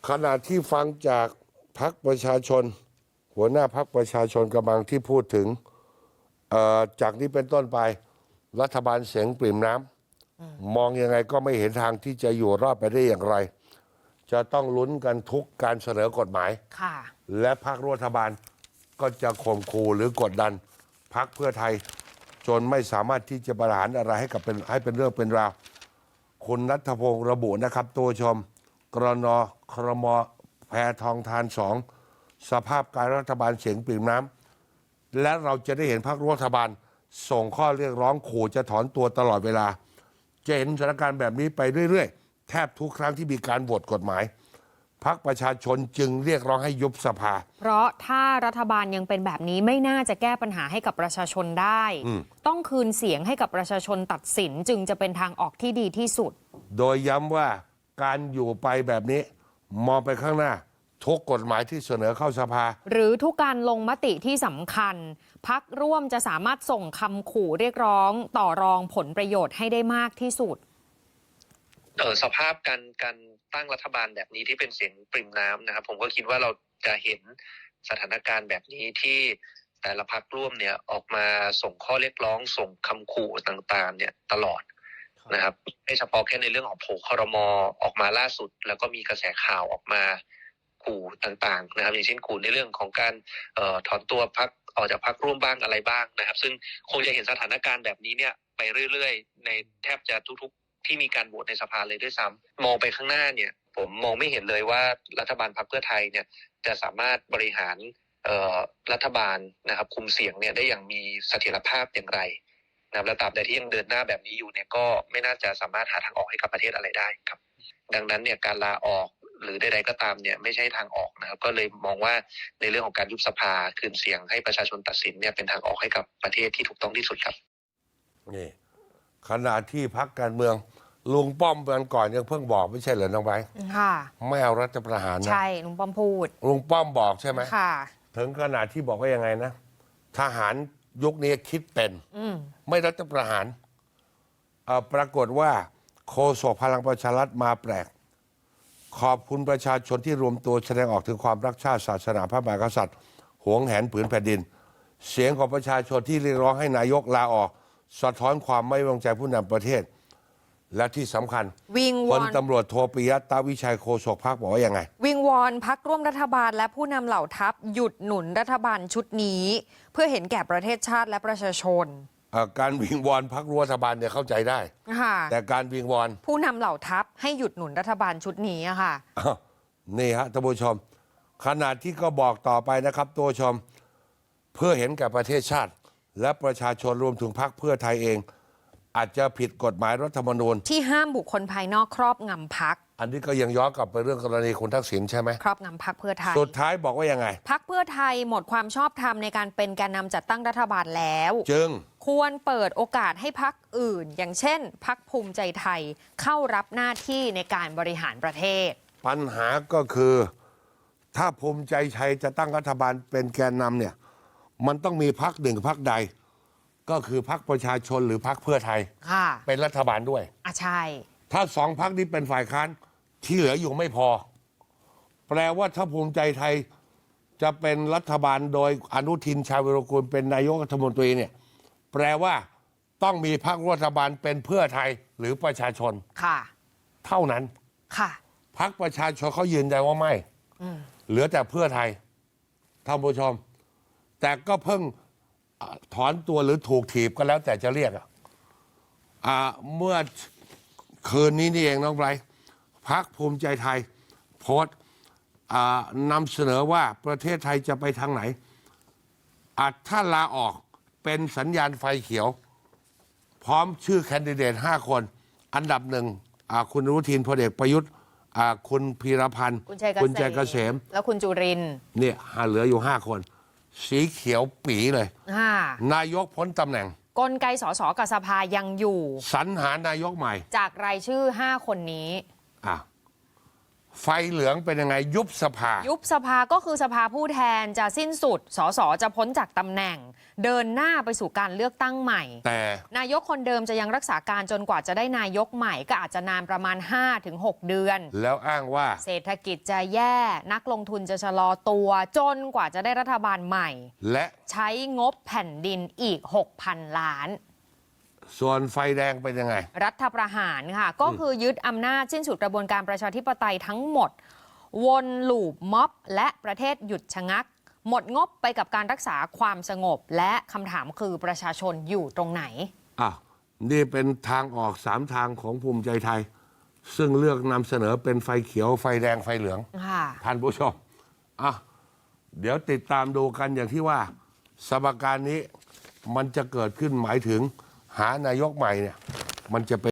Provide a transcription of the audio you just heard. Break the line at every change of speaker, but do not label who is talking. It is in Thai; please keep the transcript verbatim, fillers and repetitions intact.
ขณะที่ฟังจากพรรคประชาชน หัวหน้าพรรคประชาชนกำลังที่พูดถึงจากนี้เป็นต้นไปรัฐบาลเสียงปริ่มน้ำมองยังไงก็ไม่เห็นทางที่จะอยู่รอดไปได้อย่างไร จะต้องลุ้นกันทุกการเสนอกฎหมายและพรรครัฐบาลก็จะข่มขู่หรือกดดันพรรคเพื่อไทยจนไม่สามารถที่จะบริหารอะไรให้กับเป็นให้เป็นเรื่องเป็นราวคุณณัฐพงศ์ระบุนะครับตัวชมกรนครมแพทองทานสองสภาพการรัฐบาลเสียงปริ่มน้ำและเราจะได้เห็นพรรครัฐบาลส่งข้อเรียกร้องขู่จะถอนตัวตลอดเวลาจะเห็นสถานการณ์แบบนี้ไปเรื่อยๆแทบทุกครั้งที่มีการโหวตกฎหมายพรรคประชาชนจึงเรียกร้องให้ยุบสภา
เพราะถ้ารัฐบาลยังเป็นแบบนี้ไม่น่าจะแก้ปัญหาให้กับประชาชนได้ต้องคืนเสียงให้กับประชาชนตัดสินจึงจะเป็นทางออกที่ดีที่สุด
โดยย้ำว่าการอยู่ไปแบบนี้มองไปข้างหน้าทุกกฎหมายที่เสนอเข้าสภา
หรือทุกการลงมติที่สำคัญพรรคร่วมจะสามารถส่งคำขู่เรียกร้องต่อรองผลประโยชน์ให้ได้มากที่สุด
เออสภาพการการตั้งรัฐบาลแบบนี้ที่เป็นเสียงปริ่มน้ำนะครับผมก็คิดว่าเราจะเห็นสถานการณ์แบบนี้ที่แต่ละพรรคร่วมเนี่ยออกมาส่งข้อเรียกร้องส่งคำขู่ต่างๆเนี่ยตลอดนะครับไม่เฉพาะแค่ในเรื่องของโผล่ครม.ออกมาล่าสุดแล้วก็มีกระแสข่าวออกมาขู่ต่างๆนะครับอย่างเช่นขู่ในเรื่องของการเอ่อถอนตัวพรรคออกจากพรรคร่วมบ้างอะไรบ้างนะครับซึ่งคงจะเห็นสถานการณ์แบบนี้เนี่ยไปเรื่อยๆในแทบจะทุกๆที่มีการโหวตในสภาเลยด้วยซ้ำมองไปข้างหน้าเนี่ยผมมองไม่เห็นเลยว่ารัฐบาลพรรคเพื่อไทยเนี่ยจะสามารถบริหารเอ่อรัฐบาลนะครับคุมเสียงเนี่ยได้อย่างมีเสถียรภาพอย่างไรนะครับและตราบใดที่ยังเดินหน้าแบบนี้อยู่เนี่ยก็ไม่น่าจะสามารถหาทางออกให้กับประเทศอะไรได้ครับดังนั้นเนี่ยการลาออกหรือใดๆก็ตามเนี่ยไม่ใช่ทางออกนะครับก็เลยมองว่าในเรื่องของการยุบสภาคืนเสียงให้ประชาชนตัดสินเนี่ยเป็นทางออกให้กับประเทศที่ถูกต้องที่สุดครับ
นี่ขณะที่พรรคการเมืองลุงป้อมวันก่อนยังเพิ่งบอกไม่ใช่เหรอน้องไบร์ทค่ะไม่เอารัฐประหารนะ
ใช่ลุงป้อมพูด
ลุงป้อมบอกใช่ไหม
ค่ะ
ถึงขนาดที่บอกว่ายังไงนะทหารยุคนี้คิดเป็นไม่รัฐประหารปรากฏว่าโฆษกพลังประชารัฐมาแปลกขอบคุณประชาชนที่รวมตัวแสดงออกถึงความรักชาติศาสนาพระมหากษัตริย์หวงแหนผืนแผ่นดินเสียงของประชาชนที่เรียกร้องให้นายกลาออกสะท้อนความไม่ไว้วางใจผู้นำประเทศและที่สำคัญ
วิงวอน
พลตำรวจโทปิยะตาวิชัยโฆษกพรรคบอกว่ายังไง
วิงวอนพรรคร่วมรัฐบาลและผู้นำเหล่าทัพหยุดหนุนรัฐบาลชุดนี้เพื่อเห็นแก่ประเทศชาติและประชาชน
การวิงวอนพรรครัฐบาลเนี่ยเข้าใจได้แต่การวิงวอน
ผู้นำเหล่าทัพให้หยุดหนุนรัฐบาลชุดนี้ค่ะ
นี่ฮะท่านผู้ชมขณะที่ก็บอกต่อไปนะครับตัวชมเพื่อเห็นแก่ประเทศชาติและประชาชนรวมถึงพรรคเพื่อไทยเองอาจจะผิดกฎหมายรัฐธรรมนูญ
ที่ห้ามบุคคลภายนอกครอบงำพรรค
อันนี้ก็ยังย้อนกลับไปเรื่องกรณีคุณทักษิณใช่ไหม
ครอบงำพรรคเพื่อไทย
สุดท้ายบอกว่ายังไง
พรรคเพื่อไทยหมดความชอบธรรมในการเป็นแกนนำจัดตั้งรัฐบาลแล้ว
จึง
ควรเปิดโอกาสให้พรรคอื่นอย่างเช่นพรรคภูมิใจไทยเข้ารับหน้าที่ในการบริหารประเทศ
ปัญหาก็คือถ้าภูมิใจไทยจะตั้งรัฐบาลเป็นแกนนำเนี่ยมันต้องมีพรรคหนึ่งพรรคใดก็คือพรรคประชาชนหรือพรรคเพื่อไทยเป็นรัฐบาลด้วย
อ่ะใช่
ถ้าสองพรรคนี้เป็นฝ่ายค้านที่เหลืออยู่ไม่พอแปลว่าถ้าภูมิใจไทยจะเป็นรัฐบาลโดยอนุทินชาญวิรากูลเป็นนายกรัฐมนตรีเนี่ยแปลว่าต้องมีพรรครัฐบาลเป็นเพื่อไทยหรือประชาชน
ค่ะ
เท่านั้น
ค่ะ
พรรคประชาชนเขายืนยันว่าไม่เหลือแต่เพื่อไทยท่านผู้ชมแต่ก็เพิ่งถอนตัวหรือถูกถีบก็แล้วแต่จะเรียกอ่ะเมื่อคืนนี้นี่เองน้องไบรท์พรรคภูมิใจไทยโพสต์นำเสนอว่าประเทศไทยจะไปทางไหนอาจถ้าลาออกเป็นสัญญาณไฟเขียวพร้อมชื่อแคนดิเดตห้าคนอันดับหนึ่งคุณอนุทินพลเอกประยุทธ์คุณพีรพันธ์
คุณชัย
เกษม
แล้วคุณจุรินทร์
เนี่ยเหลืออยู่ห้าคนสีเขียวปีเลยนายกพ้นตำแหน่ง
กลไกสสกับสภายังอยู่
สรรหานายกใหม่
จากรายชื่อห้าคนนี้
อ่ะไฟเหลืองเป็นยังไงยุบสภา
ยุบสภาก็คือสภาผู้แทนจะสิ้นสุดสสจะพ้นจากตำแหน่ง เดินหน้าไปสู่การเลือกตั้งใหม่
แต่
นายกคนเดิมจะยังรักษาการจนกว่าจะได้นายกใหม่ก็อาจจะนานประมาณ ห้าถึงหก เดือน
แล้วอ้างว่า
เศรษฐกิจจะแย่นักลงทุนจะชะลอตัวจนกว่าจะได้รัฐบาลใหม่
และ
ใช้งบแผ่นดินอีก หกพัน ล้าน
ส่วนไฟแดงเป็นยังไง
รัฐประหารค่ะ ก็คือยึดอำนาจสิ้นสุดกระบวนการประชาธิปไตยทั้งหมด วนลูปม็อบและประเทศหยุดชะงัก หมดงบไปกับการรักษาความสงบ และคำถามคือประชาชนอยู่ตรงไหน
อ่ะนี่เป็นทางออกสามทางของภูมิใจไทย ซึ่งเลือกนำเสนอเป็นไฟเขียวไฟแดงไฟเหลือง
ค่ะ
ท่านผู้ชมอ่ะเดี๋ยวติดตามดูกันอย่างที่ว่า สมการนี้มันจะเกิดขึ้นหมายถึงหานายกใหม่เนี่ย มันจะเป็น